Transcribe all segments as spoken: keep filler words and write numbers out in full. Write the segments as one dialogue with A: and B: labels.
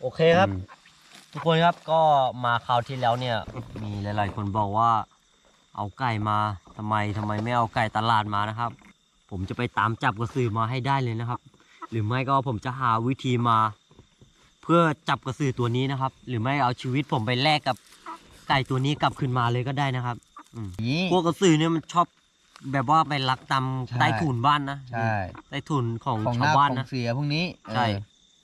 A: โอเคครับทุกคนครับก็มาคราวที่แล้วเนี่ยมีหลายๆคนบอกว่าเอาไก่มาทำไมทำไมไม่เอาไก่ตลาดมานะครับผมจะไปตามจับกระสือมาให้ได้เลยนะครับหรือไม่ก็ผมจะหาวิธีมา เพื่อจับกระสือตัวนี้นะครับหรือไม่เอาชีวิตผมไปแลกกับไก่ตัวนี้กลับคืนมาเลยก็ได้นะครับพวกกระสือเนี่ยมันชอบแบบว่าไปลักตามใต้ถุนบ้านนะ
B: ใช่
A: ใต้ถุนของ
B: ของ
A: ชาวบ้านนะ
B: ของเสียพวกนี้
A: ใช่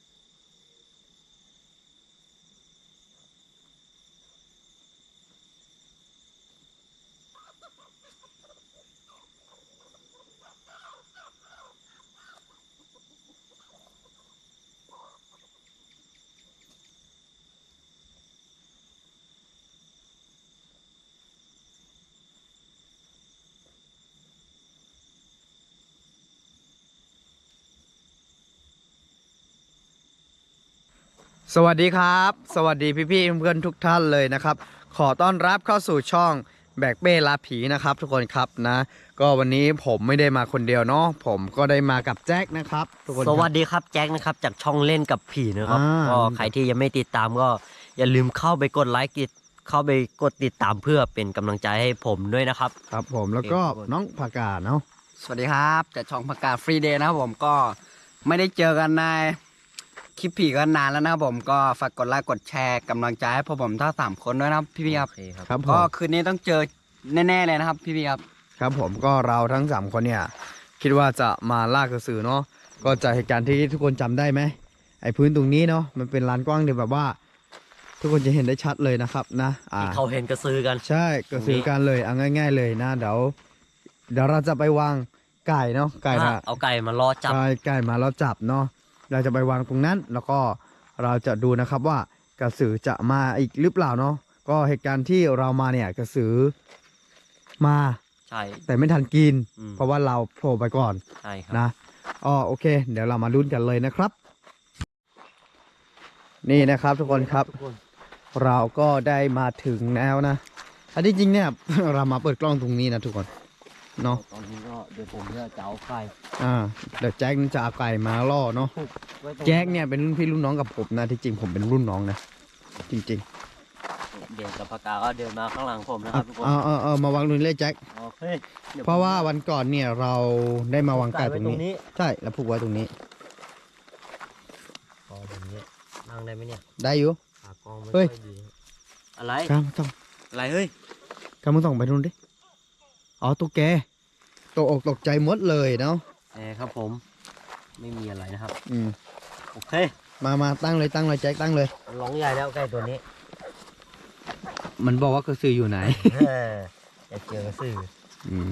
B: สวัสดีครับสวัสดีพี่ๆเพื่อนๆทุกท่านเลยนะครับขอต้อนรับเข้าสู่ช่องแบกเป้ลาผีนะครับทุกคนครับนะก็วันนี้ผมไม่ได้มาคนเดียวเนาะผมก็ได้มากับแจ็คนะครับทุกคน
A: สวัสดีครับแจ็คนะครับจากช่องเล่นกับผีนะครับก็ใครที่ยังไม่ติดตามก็อย่าลืมเข้าไปกดไลค์กดเข้าไปกดติดตามเพื่อเป็นกำลังใจให้ผมด้วยนะครับ
B: ครับผมแล้วก็น้องผักกาดเนาะ
C: สวัสดีครับจากช่องผักกาดฟรีเดย์นะครับผมก็ไม่ได้เจอกันในคลิปผีกันนานแล้วนะครับผมก็ฝากกดไลค์กดแชร์กำลังใจให้พวกผมทั้งสามคนด้วยนะครับพี่ๆครับ
B: ครับ
C: ก็คืนนี้ต้องเจอแน่ๆเลยนะครับพี่ๆครับ
B: ครับผมก็เราทั้งสามคนเนี่ยคิดว่าจะมาล่ากระสือเนาะก็จากเหตุการณ์ที่ทุกคนจำได้ไหมไอ้พื้นตรงนี้เนาะมันเป็นลานกว้างเดียวแบบว่า ทุกคนจะเห็นได้ชัดเลยนะครับนะ
A: ที่เขาเห็นกระสือกัน
B: ใช่กระสือกันเลยเอาง่ายๆเลยนะเดี๋ยวเดี๋ยวเราจะไปวางไก่เนาะไก่นะ
A: เอาไก่มาล่อจับ
B: ไก่มาล่อจับเนาะเราจะไปวางตรงนั้นแล้วก็เราจะดูนะครับว่ากระสือจะมาอีกหรือเปล่าเนาะก็เหตุการณ์ที่เรามาเนี่ยกระสือมา
A: ใช่
B: แต่ไม่ทันกินเพราะว่าเราโผล่ไปก่อน
A: ใช่ครับ
B: นะอ๋อโอเคเดี๋ยวเรามาลุ้นกันเลยนะครับนี่นะครับทุกคนครับเราก็ได้มาถึงแล้วนะอันที่จริงเนี่ยเรามาเปิดกล้องตรงนี้นะทุกคนเนาะ
A: ตอนนี้ก็เดี๋ยวผมจะเอาไก่
B: อ่าเดี๋ยวแจ็คจะเอาไก่มาล่อเนาะแจ็คเนี่ยเป็นรุ่นพี่รุ่นน้องกับผมนะที่จริงผมเป็นรุ่นน้องนะจริง
A: ๆเดี๋ยวกับปากกาก็เดินมาข้างหลังผมนะครับทุกคน
B: เออเออเออมาวางรุ่นเลยแจ็ค
A: โอเค
B: เพราะว่าวันก่อนเนี่ยเราได้มาวางไก่ตรงนี้ใช่แล้วผูกไว้ตรงนี้
A: พอตรงนี้นั่งได้ไหมเนี่ย
B: ได้อยู่
A: เฮ้ยอะไร
B: กามส่อง
A: อะไรเฮ้ย
B: กามส่องไปนู่นดิอ๋อตุ๊กแกตกอกตกใจหมดเลยเนาะ
A: เออครับผมไม่มีอะไรนะครับ
B: อืม
A: โอเค
B: มามาตั้งเลยตั้งเลยแจ็คตั้งเลย
A: ร้องใหญ่แล้วไก่ตัวนี้
B: มันบอกว่ากระสืออยู่ไหน
A: อยากเจอกระสือ
B: อืม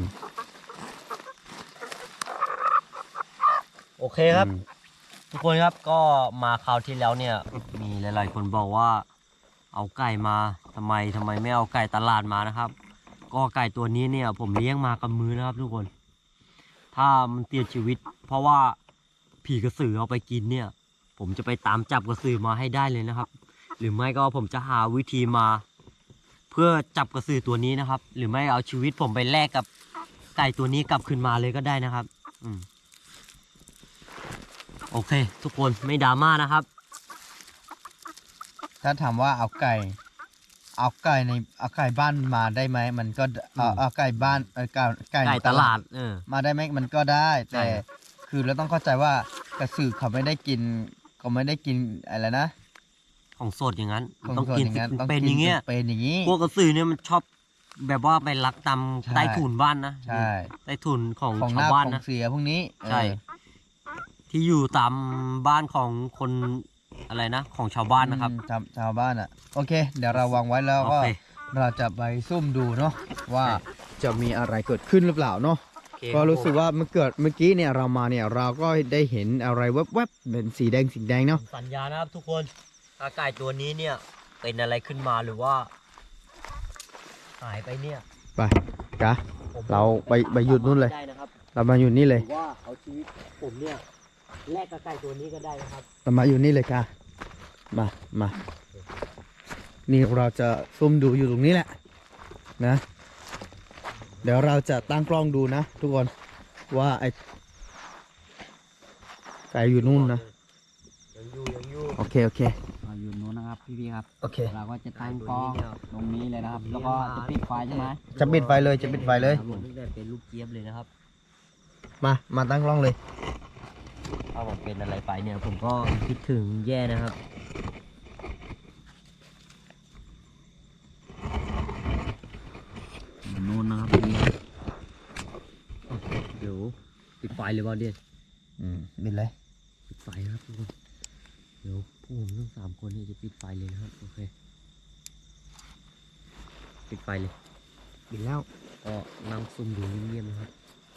A: โอเคครับทุกคนครับก็มาคราวที่แล้วเนี่ยมีหลายๆคนบอกว่าเอาไก่มาทำไมทำไมไม่เอาไก่ตลาดมานะครับก็ไก่ตัวนี้เนี่ยผมเลี้ยงมากับมือนะครับทุกคนถ้ามันเสียชีวิตเพราะว่าผีกระสือเอาไปกินเนี่ยผมจะไปตามจับกระสือมาให้ได้เลยนะครับหรือไม่ก็ผมจะหาวิธีมา เพื่อจับกระสือตัวนี้นะครับหรือไม่เอาชีวิตผมไปแลกกับไก่ตัวนี้กลับคืนมาเลยก็ได้นะครับอืมโอเคทุกคนไม่ดราม่านะครับ
B: ถ้าถามว่าเอาไก่เอาไก่ในเอาไก่บ้านมาได้ไหมมันก็เอาเอาไก่บ้านเออไก่
A: ไก่ตลาดเออ
B: มาได้ไหมมันก็ได้แต่คือเราต้องเข้าใจว่ากระสือเขาไม่ได้กินเขาไม่ได้กินอะไรนะ
A: ของสดอย่างนั้น
B: ต้องกิน
A: เป็นอย่างเงี้ย
B: เป็นอย่างงี้
A: พวกกระสือเนี่ยมันชอบแบบว่าไปลักตามใต้ถุนบ้านนะ
B: ใช่
A: ใต้ถุนของชาวบ้านนะ
B: เสียพวกนี้
A: ใช่ที่อยู่ตามบ้านของคนอะไรนะของชาวบ้านนะครับ
B: ชาวชาวบ้านอ่ะโอเคเดี๋ยวเราวางไว้แล้วก็เราจะไปซุ่มดูเนาะว่าจะมีอะไรเกิดขึ้นหรือเปล่าเนาะก็รู้สึกว่าเมื่อเกิดเมื่อกี้เนี่ยเรามาเนี่ยเราก็ได้เห็นอะไรแวบๆเป็นสีแดงสีแดงเนาะ
A: สัญญานะครับทุกคนถ้าไก่ตัวนี้เนี่ยเป็นอะไรขึ้นมาหรือว่าหายไปเนี่ย
B: ไปกะเราไปไปหยุดนู่นเลยเรามาอยู่นี่เลย
A: ว่าเอาชีวิตผมเนี่ยแลกกับไก่ตัวนี้ก็ได้นะครับ
B: เรามาอยู่นี่เลยค่ะมามานี่เราจะซุ่มดูอยู่ตรงนี้แหละนะเดี๋ยวเราจะตั้งกล้องดูนะทุกคนว่าไอ้ไก่อยู่นู่นนะ
A: ยังอยู่ยังอยู่
B: โอเคโอเค
A: อยู่
C: พี่ๆครับ
B: โอเค
C: เราก็จะตั้งกล้องตรงนี้เลยนะครับ แล้วก็จะปิดไฟใช่ไหม
B: จะปิดไฟเลยจะปิดไฟเลย
A: ผมตั้งแต่เป็นลูกเจี๊ยบเลยนะครับ
B: มามาตั้งกล้องเลย
A: ถ้าผมเป็นอะไรไปเนี่ยผมก็คิดถึงแย่นะครับโน่นนะครับเดี๋ยวปิดไฟเลยบอลเดียน
B: อืมบินเลย
A: ปิดไฟนะครับทุกคนเดี๋ยวพวกผมทั้งสามคนเนี่ยจะปิดไฟเลยนะครับโอเคปิดไฟเลย
B: บินแล้ว
A: ก็นั่งซุ่มดูเงียบๆนะครับ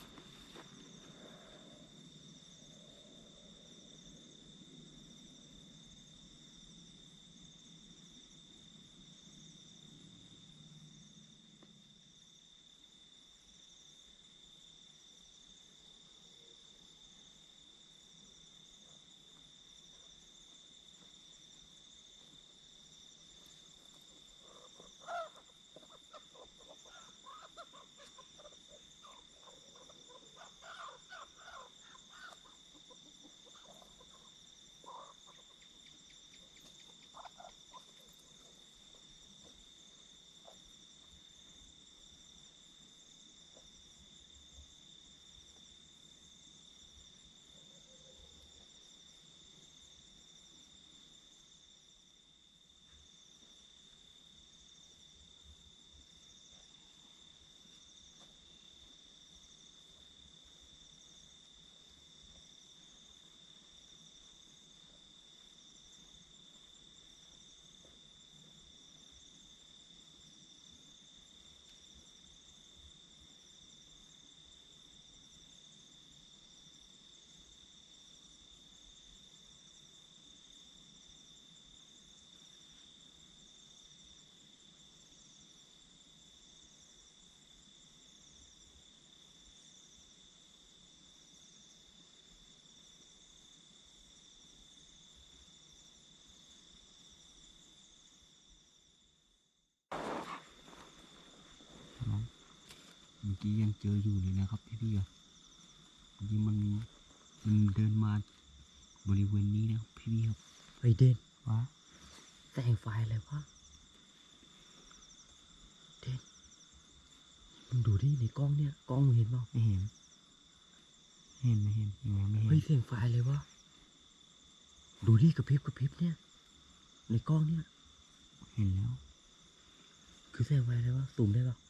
A: เมื่อกี้ยังเจออยู่เลยนะครับพี่ๆครับเมื่อกี้มันมันเดินมาบริเวณนี้นะครับพี่ๆครับเฮ้ยเด่นวะแสงไฟอะไรวะเด่นมึงดูดิในกล้องเนี่ยกล้องมึงเห็นเปล่าไม่เห็นเห็นไม่เห็นยังไงไม่เห็นเฮ้ยแสงไฟอะไรวะดูดิกระพริบกระพริบเนี่ยในกล้องเนี่ยเห็นแล้วคือแสงไฟอะไรวะซูมได้ปะ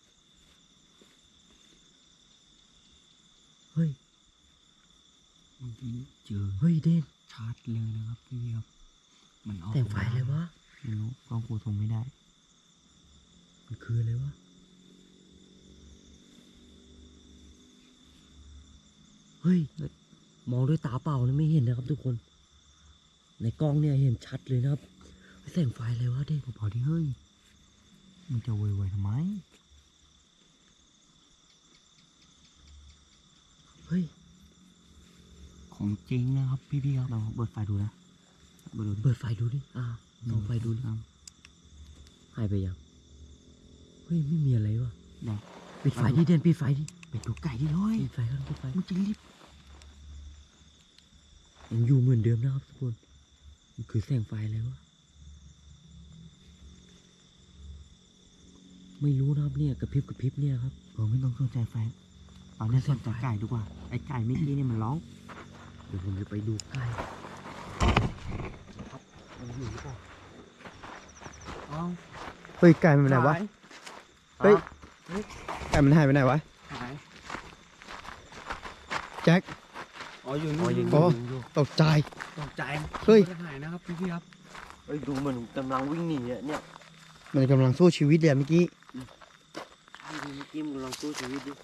A: เฮ้ยเมื่อกี้เจอเฮ้ยเด่นชัดเลยนะครับพี่ครับมันเอาแต่งไฟอะไรวะไม่รู้กล้องกูทงไม่ได้มันคืออะไรวะเฮ้ยมองด้วยตาเปล่านะไม่เห็นนะครับทุกคนในกล้องเนี่ยเห็นชัดเลยนะครับแสงไฟอะไรวะเด่นพอที่เฮ้ยมันจะไวๆทำไมเฮ้ยของจริงนะครับพี่ๆครับเราเปิดไฟดูนะเปิดดูเปิดไฟดูดิอ่าลองไฟดูดิหายไปยังเฮ้ยไม่มีอะไรวะปิดไฟดิเด่นปิดไฟดิไปดูไก่ดิเฮ้ยปิดไฟกันปิดไฟมันจะรีบยังอยู่เหมือนเดิมนะครับทุกคนมันคือแสงไฟอะไรวะไม่รู้นะครับเนี่ยกระพริบกระพริบเนี่ยครับเออไม่ต้องสนใจไฟตอนนี้สนใจไก่ดีกว่าไอ้ไก่เมื่อกี้เนี่ยมันร้องเดี๋ยวผมจะไปดูไก่ครับมันอยู่หรือเปล่าอ้าว
B: เฮ้ยไก่มันไปไหนวะ เฮ้ยไก่มันหายไปไหนวะ
C: หาย
B: แจ็ค
C: อ๋ออยู่
A: อ๋อ
C: นี่
A: ยัง
B: โอ้
A: อยู่
B: ตกใจ
C: ตกใจ
B: เฮ้ย
C: หายนะครับพี่ๆครับ
A: เฮ้ยดูมันกำลังวิ่งหนีอะเนี่ย
B: มันกำลังสู้ชีวิตเลยเมื่อกี้
A: ใช่ดูเมื่อกี้มันกำลังสู้ชีวิตดิ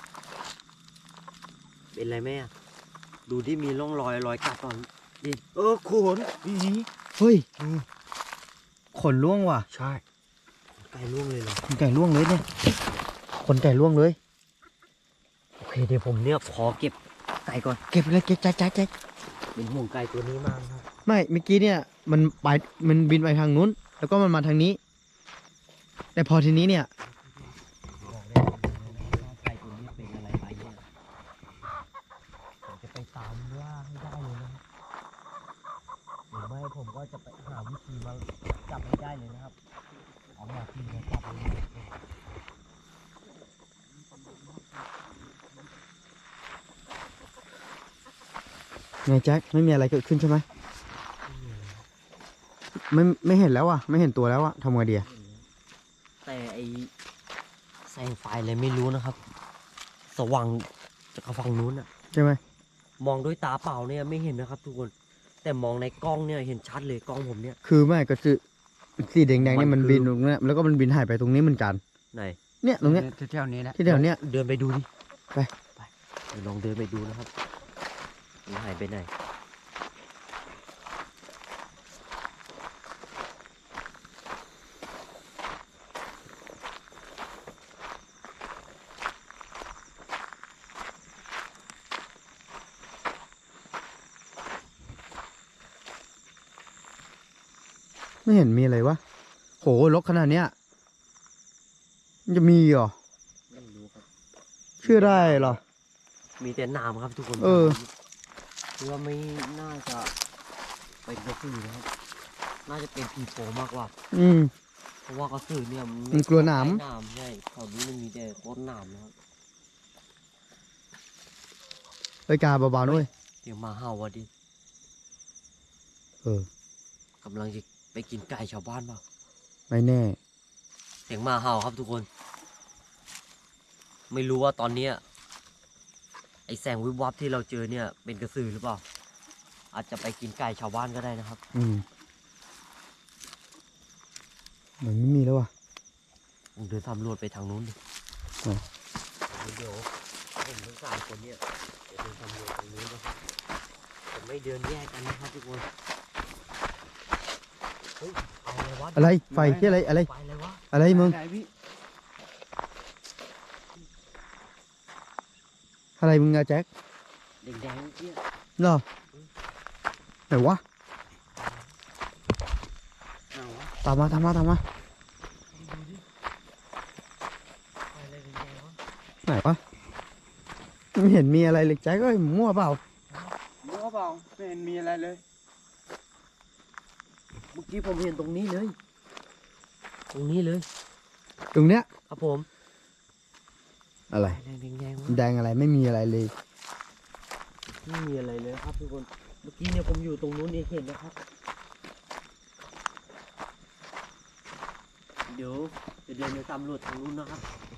A: เป็นไรไหมอะดูที่มีร่องรอยรอยกัดตอนดิเออขนอี
B: เฮ้ยขนล่วงว่ะ
A: ใช่ไก่ล่วงเลยเหรอ
B: ขนไก่ล่วงเลยเนี่ยขนไก่ล่วงเลย
A: โอเคเดี๋ยวผมเนี่ยขอเก็บไก่ก่อน
B: เก็บเลยเก็บแจ็คแจ็คแจ็ค
A: เป็นห่วงไก่ตัวนี้มากครับ
B: ไม่เมื่อกี้เนี่ยมันไปมันบินไปทางนู้น แล้วก็มันมาทางนี้ แต่พอทีนี้เนี่ย
A: บอกได้เลยว่าไก่ตัวนี้เป็นอะไรไปเนี่ยผมจะไปตามล่าให้ได้เลยนะครับหรือไม่ผมก็จะไปหาวิธีมาจับจับให้ได้เลยนะครับเอามาที่จะจับเลย
B: ไงแจ็คไม่มีอะไรเกิดขึ้นใช่ไหมไม่ไม่เห็นแล้วอ่ะไม่เห็นตัวแล้วอ่ะทำไงดีอะ
A: แต่ไอแสงไฟอะไรไม่รู้นะครับ สว่างจากฝั่งนู้นอะ
B: ใช่ไหม
A: มองด้วยตาเปล่าเนี่ยไม่เห็นนะครับ ทุกคนแต่มองในกล้องเนี่ยเห็นชัดเลยกล้องผมเนี่ย
B: คือไม่ก็คือสีแดงๆเนี่ย
A: มั
B: มัน
A: นคือ
B: บินตรงเนี้ยแล้วก็มันบินหายไปตรงนี้เหมือนกัน
A: ไหน
B: เนี่ยตรงเนี้ย
C: ที่แถวนี้นะ
B: ที่แถวเนี้ย
A: เดินไปดูดิ
B: ไป
A: ไปเดี๋ยวลองเดินไปดูนะครับมันหายไปไหน
B: ไม่เห็นมีอะไรวะโหรกขนาดเนี้ยมันจะมีเหรอ
A: ไม่รู้ครับ
B: เชื่อได้เหรอ
A: มีแต่น้ำครับทุกคน
B: เออ
A: คือว่าไม่น่าจะเป็นกระสือนะครับ น่าจะเป็นผีโพงมากกว่า
B: อืม
A: เพราะว่ากระสือเนี่ย
B: มันกลัวหนาม
A: ใช่หนามใช่แถวนี้มันมีแต่โคตรหนามนะครับ
B: ไปกาเบาๆด้วย
A: เดี๋ยวมาเห่าวะดิ
B: เออก
A: ำลังจะไปกินไก่ชาวบ้านเปล่า
B: ไม่แน่
A: เสียงหมาเห่าครับทุกคน ไม่รู้ว่าตอนเนี้ยไอแสงวิบวับที่เราเจอเนี่ยเป็นกระสือหรือเปล่า อาจจะไปกินไก่ชาวบ้านก็ได้นะครับ
B: อืมเหมือนไม่มีแล้วว่ะ
A: ผมเดินสำรวจไปทางนู้นดิ
B: อืม
A: เดี๋ยวผมทั้งสามคนเนี่ยเดี๋ยวเดินสำรวจทางนู้นนะครับผมไม่เดินแยกกันนะครับทุกคนเฮ้ยอะไรวะ
B: อะไรไฟที่อะไรอะไร
A: ไฟอะไรวะ
B: อะไรมึง
C: ไหนพี่
B: อะไรมึงอะแจ็ค
A: แดงๆเนี่ย
B: เหรอไหนวะ
C: เอาวะ
B: ตามมาตามมาตามมา
A: ดูดิไฟอะไรแดงๆวะ
B: ไหนวะไม่เห็นมีอะไรเลยแจ็คเอ้ยมั่วเปล่า
C: รู้เปล่าไม่เห็นมีอะไรเลย
A: เมื่อกี้ผมเห็นตรงนี้เลย ตรงนี้เลย
B: ตรงเนี้ย
A: ครับผม
B: อะไร
A: แดงแดงๆวะ
B: แดงอะไรไม่มีอะไรเลย
A: ไม่มีอะไรเลยครับทุกคน เมื่อกี้เนี่ยผมอยู่ตรงนู้นเองเห็นนะครับ เดี๋ยวจะเดินไปสำรวจทางนู้นนะครับ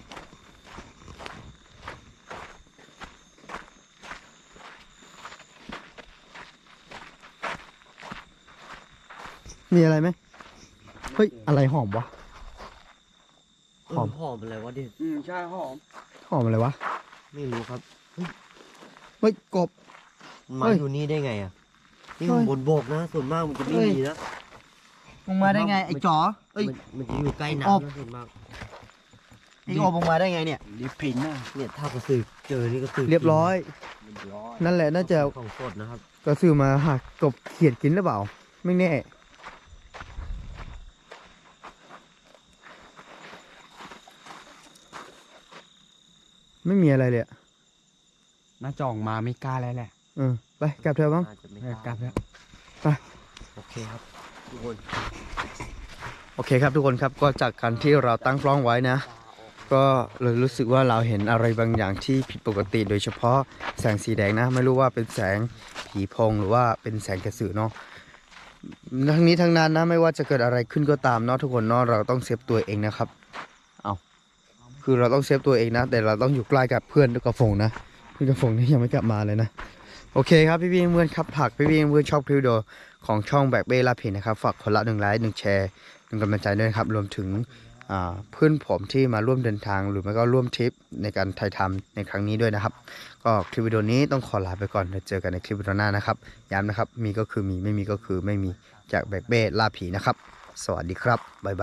B: มีอะไรไหมเฮ้ยอะไรหอมวะ
A: เออ
B: หอม
A: หอมอะไรวะเด็ด
C: อืมใช่หอม
B: หอมอะไรวะ
A: ไม่รู้ครับ
B: เฮ้ยกบ
A: มันมา
B: เฮ้ย
A: อยู่นี่ได้ไงอ่ะ นี่
B: เฮ้
A: มัน
B: ย
A: บนบกนะ ส่วนมากมันจะไม่
B: เฮ้ย
A: มีนะ
B: มึงมาได้ไงไอ้จ๋อเอ้ย
A: มันมันจะอยู่ใกล้
B: อบ
A: น้ำนะส่วนมาก
B: ไอ้โอบมึงมาได้ไงเนี่ย
C: ลิปพินน่ะ
A: เนี่ยถ้ากระสือเจอนี่กระสือ
B: เรียบร้อย
A: เรียบร้อย
B: นั่นแหละน่าจะ
A: ของสดนะครับ
B: กระสือมาหักกบเขียดกินหรือเปล่า ไม่แน่ ไม่มีอะไรเลยอะ
C: น่าจะออกมาไม่กล้าแล้วแหละ
B: เออไปกลับเถอะบ้าง
A: น่าจะไม่
C: เออกลับแล้ว
A: โอเคครับทุกคน
B: โอเคครับทุกคนครับก็จากการที่เราตั้งกล้องไว้นะ ก็เลยรู้สึกว่าเราเห็นอะไรบางอย่างที่ผิดปกติโดยเฉพาะแสงสีแดงนะ ไม่รู้ว่าเป็นแสงผีโพงหรือว่าเป็นแสงกระสือเนาะทั้งนี้ทั้งนั้นนะไม่ว่าจะเกิดอะไรขึ้นก็ตามเนาะทุกคนเนาะเราต้องเซฟตัวเองนะครับเอาคือเราต้องเซฟตัวเองนะ แต่เราต้องอยู่ใกล้กับเพื่อนกับฝงนะเพื่อนกับฝงนี่ยังไม่กลับมาเลยนะโอเคครับพี่พี่เพื่อนครับผักพี่พี่เพื่อนชอบคลิปวิดีโอของช่องแบกเบ้ลาผินนะครับฝากคนละหนึ่งไลค์หนึ่งแชร์หนึ่งกำลังใจด้วยนะครับรวมถึง อ่าเพื่อนผมที่มาร่วมเดินทางหรือไม่ก็ร่วมทริปในการถ่ายทำในครั้งนี้ด้วยนะครับ ก็คลิปวิดีโอนี้ต้องขอลาไปก่อนเดี๋ยวเจอกันในคลิปวิดีโอหน้านะครับย้ำนะครับมีก็คือมีไม่มีก็คือไม่มีจากแบกเบ้ล่าผีนะครับ สวัสดีครับบ๊ายบาย